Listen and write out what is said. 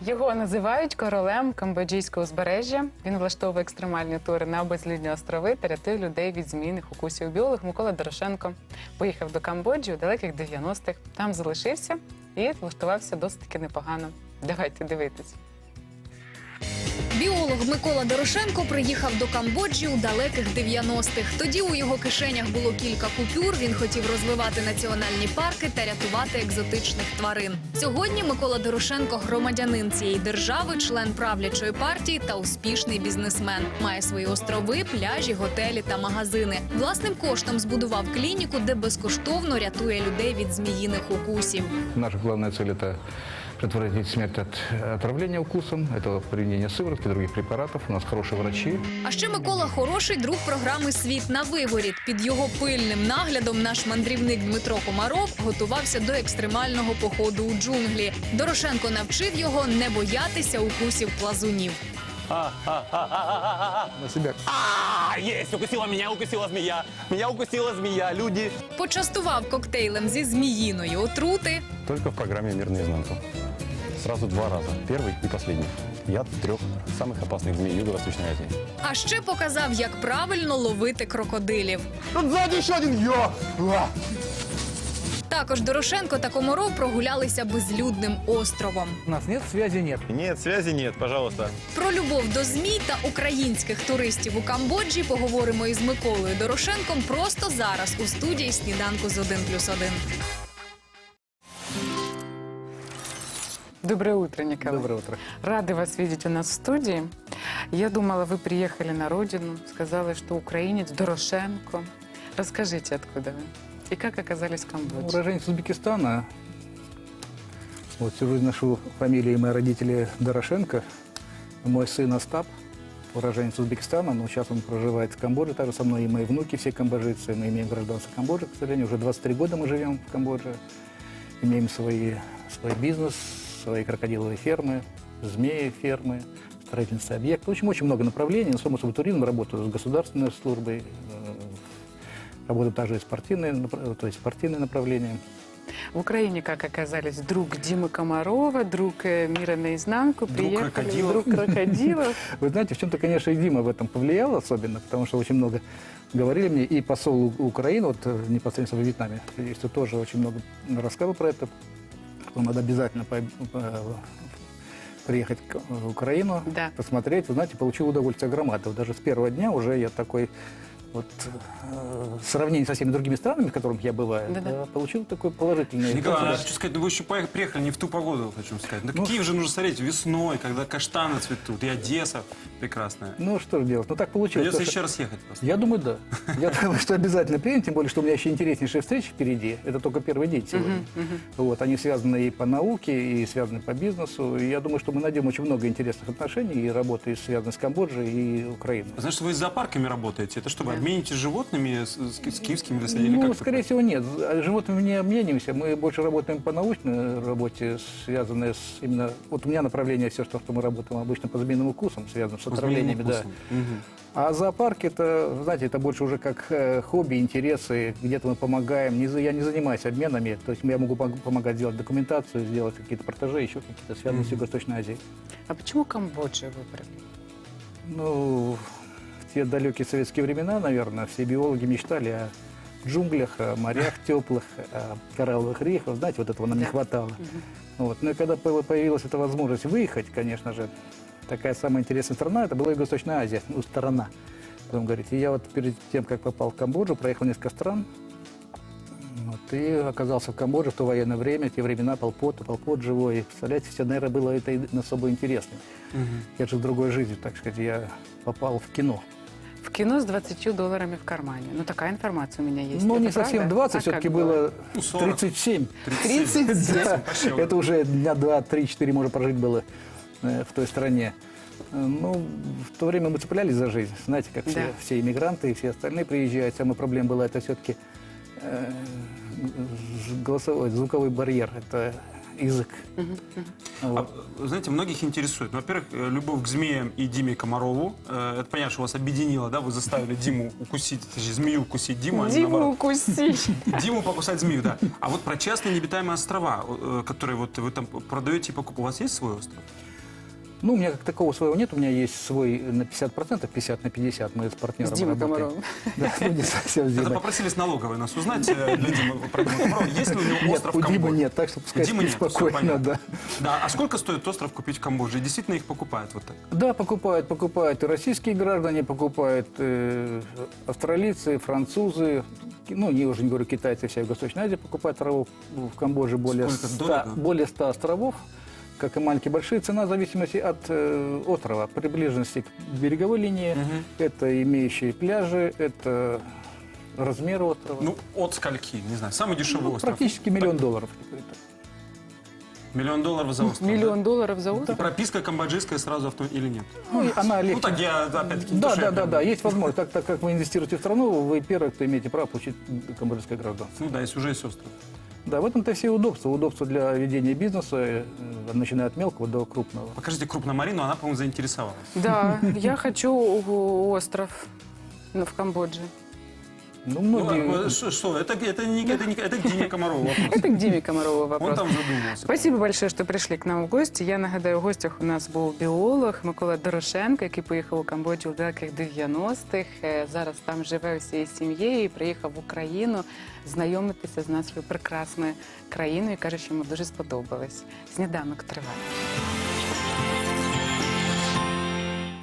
Його називають королем камбоджійського узбережжя. Він влаштовує екстремальні тури на безлюдні острови та рятує людей від змійних укусів. Біолог Микола Дорошенко поїхав до Камбоджі у далеких 90-х. Там залишився і влаштувався досить таки непогано. Давайте дивитись. Біолог Микола Дорошенко приїхав до Камбоджі у далеких 90-х. Тоді у його кишенях було кілька купюр, він хотів розвивати національні парки та рятувати екзотичних тварин. Сьогодні Микола Дорошенко – громадянин цієї держави, член правлячої партії та успішний бізнесмен. Має свої острови, пляжі, готелі та магазини. Власним коштом збудував клініку, де безкоштовно рятує людей від зміїних укусів. Наша главная цель – это предотвратить смерть от отравления укусом, это применение сыворотки, других препаратов. У нас хорошие врачи. А ще Микола – хороший друг програми «Світ на виворіт». Під його пильним наглядом наш мандрівник Дмитро Комаров готувався до екстремального походу у джунглі. Дорошенко навчив його не боятися укусів плазунів. На себя. Есть! Укусила змея! Меня укусила змея! Люди! Почастував коктейлем зі зміїної отрути. Только в программе «Мир наизнанку». Сразу 2 раза. Первый и последний. Яд 3 самых опасных змей Юго-Восточной Азии. А ще показав, як правильно ловити крокодилів. Тут сзади еще один! Також Дорошенко та Комаров прогулялися безлюдним островом. У нас нет связи, нет. Нет, связи нет, пожалуйста. Про любов до змій та українських туристів у Камбоджі поговоримо із Миколою Дорошенком просто зараз у студії «Сніданку з 1+1». Доброе утро, Николай. Доброе утро. Рады вас видеть у нас в студии. Я думала, вы приехали на родину, сказали, что украинец Дорошенко. Расскажите, откуда вы и как оказались в Камбоджи? Уроженец Узбекистана. Вот всю жизнь ношу фамилии мои родители Дорошенко. Мой сын Остап, уроженец Узбекистана, но сейчас он проживает в Камбодже, также со мной и мои внуки, все камбоджийцы. Мы имеем гражданство Камбоджи, к сожалению, уже 23 года мы живем в Камбодже. Имеем свой бизнес, свои крокодиловые фермы, змеи фермы, строительные объекты. В общем, очень много направлений. Само собой, туризм, работаю с государственной службой, работаю также и спортивные направления. В Украине как оказались? Друг Димы Комарова, друг «Мира наизнанку», приехали, друг крокодилов. Вы знаете, в чем-то, конечно, и Дима в этом повлиял особенно, потому что очень много говорили мне, и посол Украины, вот непосредственно в Вьетнаме, что тоже очень много рассказывал про это, что надо обязательно приехать в Украину, Да. посмотреть. Вы знаете, получил удовольствие громадное. Даже с первого дня уже я такой... Вот в сравнении со всеми другими странами, в которых я бываю, Да-да. получил такой положительный... Николай, я хочу сказать, ну вы еще приехали не в ту погоду, хочу сказать. На Киев же нужно смотреть весной, когда каштаны цветут, и Одесса прекрасная. Ну, что же делать? Ну, так получилось. Придется Потому что- еще раз ехать просто. Я думаю, да. Я думаю, что обязательно приедем, тем более, что у меня еще интереснейшие встречи впереди. Это только первый день сегодня. Вот, они связаны и по науке, и связаны по бизнесу. И я думаю, что мы найдем очень много интересных отношений и работы, связанной с Камбоджей и Украиной. Знаешь, что вы с зоопарками работаете? Это что, вы обменитесь животными с киевскими или Ну, как это? скорее всего, нет. С животными не обмениваемся. Мы больше работаем по научной работе, связанной с именно... Вот у меня направление все, что мы работаем обычно по змеиным укусам, связанным с По отравлениями. змеиным Да. укусам. Мгм. А зоопарк, это, знаете, это больше уже как хобби, интересы. Где-то мы помогаем. Я не занимаюсь обменами. То есть я могу помогать сделать документацию, сделать какие-то портажи, еще какие-то связанные с Юго-Восточной Азией. А почему Камбоджу выбрали? Ну, в те далекие советские времена, наверное, все биологи мечтали о джунглях, о морях теплых, о коралловых рифах. Знаете, вот этого нам не Да. хватало. Вот. Ну и когда появилась эта возможность выехать, конечно же, такая самая интересная страна, это была Юго-Восточная Азия, ну, сторона, будем говорить. И я вот перед тем, как попал в Камбоджу, проехал несколько стран, вот, и оказался в Камбодже в то военное время, в те времена Пол Пот живой. И, представляете, все, наверное, было это особо интересно. Я же в другой жизни, так сказать, я попал в кино. В кино с $20 в кармане. Ну, такая информация у меня есть. Ну, Это не совсем правда? 20, А все-таки как было Ну, 40. 37. 37. Да. Почти. Это уже дня 2, 3, 4 можно прожить было в той стране. Ну, в то время мы цеплялись за жизнь. Знаете, как Да. все иммигранты и все остальные приезжают. Самая проблема была это все-таки звуковой барьер. Это язык. А, знаете, многих интересует. Ну, во-первых, любовь к змеям и Диме Комарову. Это понятно, что вас объединило, да? Вы заставили Диму укусить, точнее, змею укусить Диму. а не Диму наоборот. укусить. Диму покусать змею, да. А вот про частные необитаемые острова, которые вот вы там продаете и покупаете, у вас есть свой остров? Ну, у меня как такого своего нет, у меня есть свой на 50%, 50 на 50, мы с партнером С Димой работаем. Комаровым. Да, ну, не совсем с Это Димой. попросили с налоговой нас узнать для Димы, про Диму Комарова. Есть ли у него Нет, остров у в Димы Камбодже? нет, так что пускай Димы спит нет, всё спокойно, понятно. да. Да, а сколько стоит остров купить в Камбодже? И действительно их покупают вот так? Да, покупают и российские граждане, покупают австралийцы, французы, ну, не уже не говорю, китайцы, вся Юго-Восточная Азия покупает островов в Камбодже Сколько? Дорого? более 100 островов, как и маленькие, большие. Цена в зависимости от острова, приближенности к береговой линии, это имеющие пляжи, это размер острова. Ну, от скольки? Не знаю. Самый дешевый Ну, остров. практически $1 миллион. $1 миллион за остров. Миллион долларов за Да? остров? Прописка камбоджийская сразу или нет? Ну, и она легче. Ну, так я, опять-таки, не то, Да, что я прям- есть возможность. Так как вы инвестируете в страну, вы первый, кто имеете право получить камбоджийское гражданство. Ну да, если уже есть остров. Да, в этом-то все удобства. Удобства для ведения бизнеса, начиная от мелкого до крупного. Покажите крупно Марину, она, по-моему, заинтересовалась. Да, я хочу остров в Камбодже. Ну, Ну, многие... что, это к Диме Комарову вопрос. Это к Диме Комарову Он вопрос. там задумался. Спасибо большое, що прийшли к нам в гості. Я нагадаю, в гостях у нас був біолог Микола Дорошенко, який поїхав у Камбоджу в далеких 90-х. Зараз там живе усією сім'єю і приїхав в Україну знайомитися з нашою прекрасною країною. І каже, що йому дуже сподобалось. Сніданок триває.